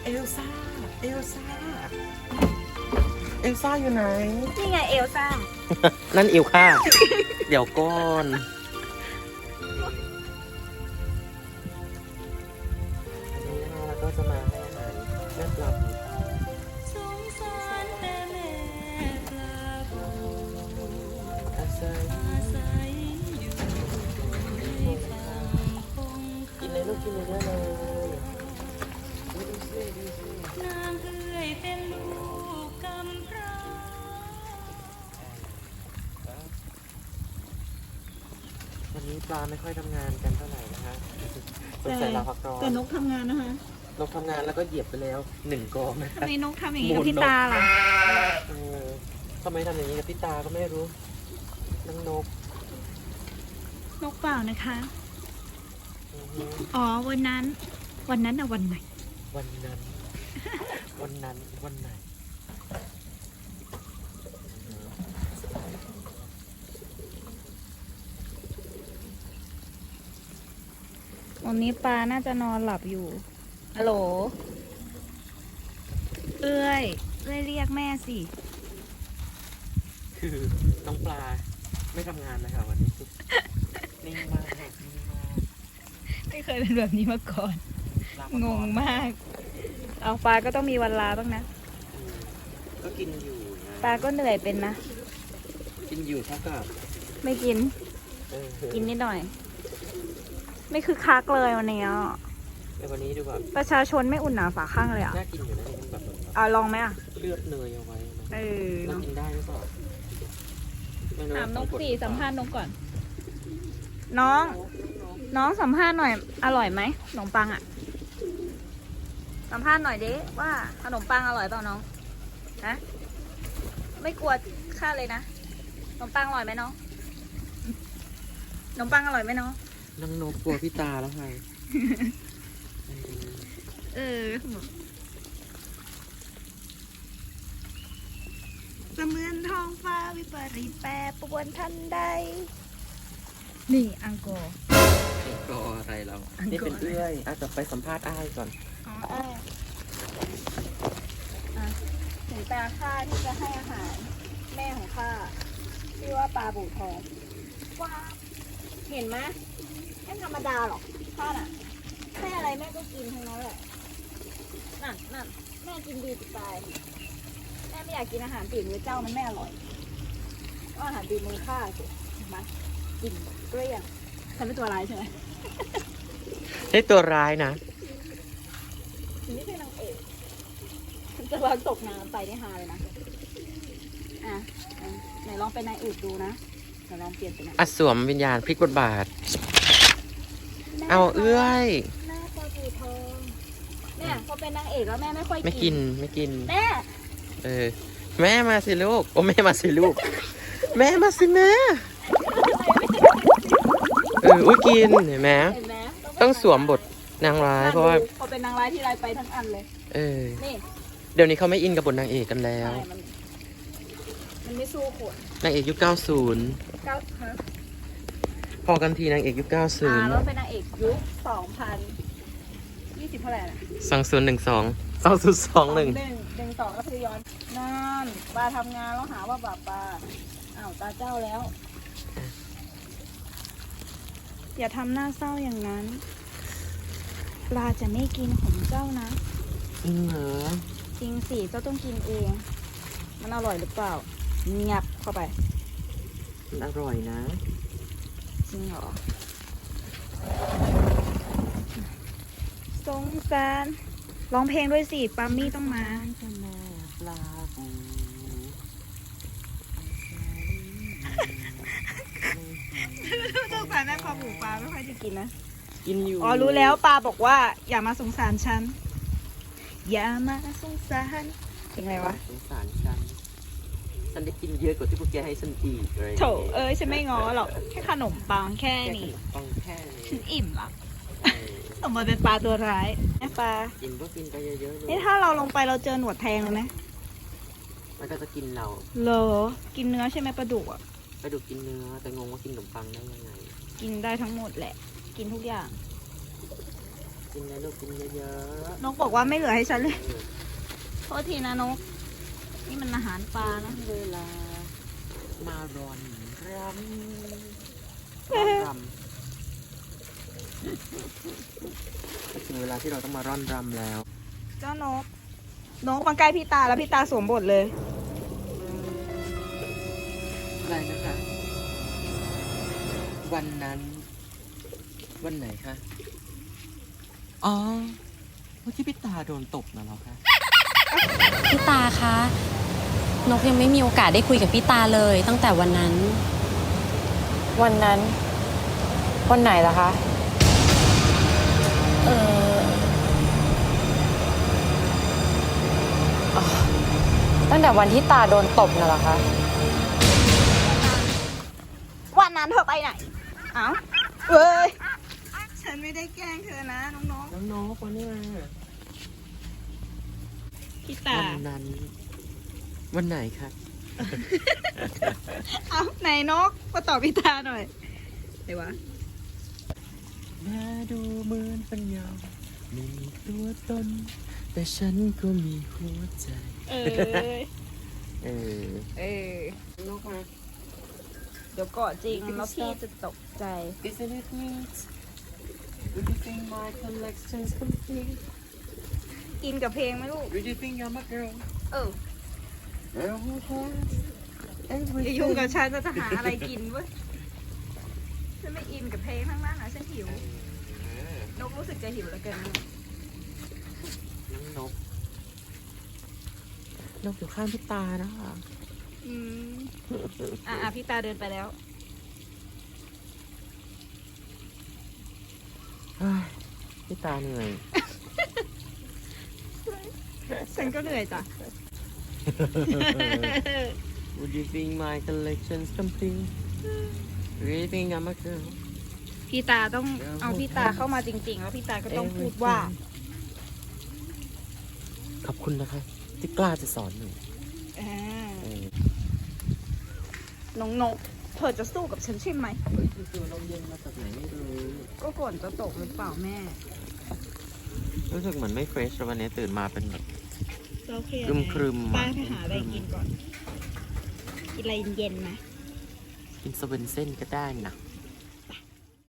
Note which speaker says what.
Speaker 1: เอลซ่าเอลซ่าเอลซ่าอยู่ไหน
Speaker 2: นี่ไงเอลซ่า
Speaker 1: นั่นเอลค่า เดี๋ยวก่อนอันนี้นะคะเราก็จะมาให้อาหารแม่ปลาบูอาศัยกินเลยลูกกินเลยได้เลยดูสิดูสิ
Speaker 2: นางเอ๋ยเป็นลูกกำพร้า
Speaker 1: วันนี้ปลาไม่ค่อยทำงานกันเท่าไหร่นะคะสงสัยลาพักร้อน
Speaker 2: แต่นกทำงานนะคะ
Speaker 1: นกทำงานแล้วก็เหยียบไปแล้ว1 กองนะ
Speaker 2: ทำไมนกทำอย่างนี้กับพี่ตาล่ะ
Speaker 1: ทำไมทำอย่างนี้กับพี่ตาก็ไม่รู้น้องนก
Speaker 2: นกเปล่านะคะ
Speaker 1: อือฮึ
Speaker 2: อ๋อวันนั้นอะวันไหน
Speaker 1: วันนั้น วันไหน
Speaker 2: วันนี้ปลาน่าจะนอนหลับอยู่ฮัลโหลเอ้ยเรียกแม่สิ
Speaker 1: คือน้องปลาไม่ทำงานนะคะวันนี้นิ่งมากนิ่งมาก
Speaker 2: ไม่เคยเป็นแบบนี้มาก่อน
Speaker 1: ลาพัก
Speaker 2: ง
Speaker 1: ร้อง น
Speaker 2: มาก เอาปลาก็ต้องมีวันลาบ้างนะ
Speaker 1: ก็กินอยู่นะ
Speaker 2: ปลาก็เหนื่อยเป็นนะ
Speaker 1: กินอยู่เท่ากับ
Speaker 2: ไม่กิน กินนิดหน่อย ไม่คือคักเลยวันนี้อ่ะ
Speaker 1: ในวันนี้ดูแบบ
Speaker 2: ประชาชนไม่อุ่นหนาฝาข้างเลยอ่ะ
Speaker 1: น่ากินอยู่นะนี่มันแบบ
Speaker 2: เอาลองไหมอ่ะ
Speaker 1: เลือดเนยเอาไว้นะ
Speaker 2: เออ
Speaker 1: เรากินได้หรือเปล่าไม่รู้
Speaker 2: ถามนก
Speaker 1: ต้อง
Speaker 2: สิ
Speaker 1: ด
Speaker 2: สัมภาษณ์นกก่อน น้องสัมภาษณ์หน่อย อร่อยไหมขนมปังอ่ะ สัมภาษณ์หน่อยดิว่าขนมปังอร่อยเปล่าน้อง ฮะ ไม่กลัวค่าเลยนะ ขนมปังอร่อยไหมน้อง ขนมปังอร่อยไหมน้อง
Speaker 1: น้องนกกลัวพี่ตาแล้วไง
Speaker 2: เออเสมือนท้องฟ้าวิปริตแปรปรวนทันใด นี่อังกอร์
Speaker 1: ก็อะไรเรา
Speaker 2: อันก่อน
Speaker 1: นี่เป็นเอื้อยอาจจะไปสัมภาษณ์อ้ายก่อน
Speaker 2: อ๋อถึงตาข้าที่จะให้อาหาร แม่ของข้าชื่อว่าปลาบู่ทองว้าเห็นไหมไม่ธรรมดาหรอกข้าน่ะแม่อะไรแม่ก็กินทั้งนั้นแหละนั่นแม่กินดีจะตายแม่ไม่อยากกินอาหารปีมือเจ้ามันไม่อร่อยก็อาหารปีมือข้าสิเห็นไหมกินเกลี้ยงฉันเป็นตัวร้ายใช่ไหม
Speaker 1: ใช่ตัวร้ายนะ
Speaker 2: ฉันไม่ใช่นางเอกฉันจะลองตกน้ำไปได้ฮาเลยนะอ่ะไหนลองเป็นนางเอกดูนะไหนลองเปลี่ยนเป็นนางเอก
Speaker 1: อัสวมวิญญาณพลิกบทบาท เอาเอื้อย
Speaker 2: แม่ปลาบูทองเนี่ยพอเป็นนางเอกแล้วแม่ไม่ค่อย
Speaker 1: ไม่กินไม่กิน
Speaker 2: แม่
Speaker 1: เออ แม่มาสิลูก โอ้แม่มาสิลูก แม่มาสิแม่อุ้ยกินเห็นไหม
Speaker 2: เห็นไหม
Speaker 1: ต้องสวมบทนางร้ายเพราะว่า
Speaker 2: พอเป็นนางร้ายที่ไรไปทั้งอันเลย
Speaker 1: เออ
Speaker 2: นี่
Speaker 1: เดี๋ยวนี้เขาไม่อินกับบทนางเอกกันแล้ว
Speaker 2: ใช่มันไม่สู้ขวด
Speaker 1: นางเอกยุค90
Speaker 2: เก้าฮะ
Speaker 1: พอกันทีนางเอกยุค
Speaker 2: แล้ว
Speaker 1: 90
Speaker 2: เป็นนางเอกยุค2020เท่าไหร่น่ะ
Speaker 1: 2012 2021
Speaker 2: 1 2ก็คือย้อนนั่นปลาทำงานแล้วหาว่าบาปปลาอ้าวตาเจ้าแล้ว อย่าทำหน้าเศร้าอย่างนั้น ปลาจะไม่กินของเจ้านะ
Speaker 1: จริงเหรอ
Speaker 2: จริงสิเจ้าต้องกินเอง มันอร่อยหรือเปล่าเงียบเข้าไป
Speaker 1: มันอร่อยนะ
Speaker 2: จริงเหรอสงสารร้องเพลงด้วยสิปามี่ต้องมา
Speaker 1: ปลาบู
Speaker 2: สงสารแม่คอหมูปลาไม่ค่อยจะกินนะ
Speaker 1: กินอยู่
Speaker 2: อ๋อรู้แล้วปลาบอกว่า อย่ามาสงสารฉัน อย่ามาสงสารเพลงอะไรวะ
Speaker 1: สงสารฉันได้กินเยอะกว่าที่พวกแกให้ฉันอีกเลย
Speaker 2: โถเอ้ยฉันไม่ง้อหรอกแค่ขนมปังแค่
Speaker 1: แค่
Speaker 2: นี้
Speaker 1: ปังแค่นี้
Speaker 2: ฉันอิ่มละสมมติเป็นปลาตัวร้ายแม่ปลา
Speaker 1: กินก็กินไปเยอะๆเลย
Speaker 2: นี่ถ้าเราลงไปเราเจอหนวดแทงเลยไหม
Speaker 1: มันก็จะกินเรา
Speaker 2: เหรอกินเนื้อใช่ไหมปลาดุกอ่ะ
Speaker 1: ไปดูกินเนื้อแต่งงว่ากินขนมปังได้ยังไง
Speaker 2: กินได้ทั้งหมดแหละ กินทุกอย่าง
Speaker 1: กินเลยลูกกินเยอะ
Speaker 2: นกบอกว่าไม่เหลือให้ฉันเลย โทษทีนะนก นี่มันอาหารปลานะ
Speaker 1: ๆเวลามารอนรำถึงเวลาที่เราต้องมาร่อนรำแล้ว
Speaker 2: เจ้านก นกมาใกล้พี่ตาแล้วพี่ตาสวมบทเลย
Speaker 1: อะไรนะคะ วันนั้น วันไหนคะ อ๋อเมื่อกี้พี่ตาโดนตบนะเหรอคะ
Speaker 3: พี่ตาคะ นกยังไม่มีโอกาสได้คุยกับพี่ตาเลยตั้งแต่วันนั้น
Speaker 4: วันนั้น วันไหนล่ะคะ
Speaker 3: เออ
Speaker 4: ตั้งแต่วันที่ตาโดนตบน่ะเหรอคะ
Speaker 2: วันนั้นเธอไปไหน เอ้าเว้ย ฉันไม่ได้แกล้งเธอนะน้อง
Speaker 1: น้องๆวันนี้มา
Speaker 2: ๆพี่ตา
Speaker 1: วันนั้น วันไหนคะ
Speaker 2: เอ้าไหนนกมาตอบพี่ตาหน่อยไหนวะ
Speaker 1: แม้ดูเหมือนปัญญาไม่มีตัวตน แต่ฉันก็มีหัวใจ
Speaker 2: เออ
Speaker 1: เออ
Speaker 2: เออ
Speaker 1: นกมา
Speaker 2: เดี๋ยวก่อนจริงแล้วพี่จะตกใจ
Speaker 1: Isn't it neat? Would you think my collection's complete?
Speaker 2: อินกับเพลงไหมลูก
Speaker 1: Would you think I'm a girl?
Speaker 2: เออ
Speaker 1: Girl who has
Speaker 2: อย่า
Speaker 1: everything?
Speaker 2: ยุ่งกับฉันจะหาอะไรกินเว้ย ฉันไม่อินกับเพลงทั้งนั้นนะฉันหิว นกรู้สึกจะหิวแล้วเกินนะ
Speaker 1: นก นกอยู่ข้างพี่ตานะคะ
Speaker 2: อืมพี่ตาเดินไปแล้ว
Speaker 1: เฮ้ยพี่ตาเหนื่อย
Speaker 2: ฉันก็เหนื่อยจ้ะ
Speaker 1: Would you think my collection's complete? Do you think I'm a girl?
Speaker 2: พี่ตาต้องเอาพี่ตาเข้ามาจริงๆ แล้วพี่ตาก็ต้องพูดว่า
Speaker 1: ขอบคุณนะคะ ที่กล้าจะสอนหนู
Speaker 2: อ่า
Speaker 1: เออ
Speaker 2: น้องนก เธอจะสู้กับฉันใช่ไหม
Speaker 1: เฮ้ยคือลมเย็นมาจากไหนไม่รู้
Speaker 2: ก็ฝนจะตกหรือเปล่าแม่
Speaker 1: รู้สึกเหมือนไม่เฟรชวันนี้ตื่นมาเป็นแบบ
Speaker 2: โอเค
Speaker 1: ครึมๆ
Speaker 2: ป้าไปหาอะไรกินก่อน กินอะไรเย็นๆไหม
Speaker 1: กินสเวนเซ่นก็ได้นะ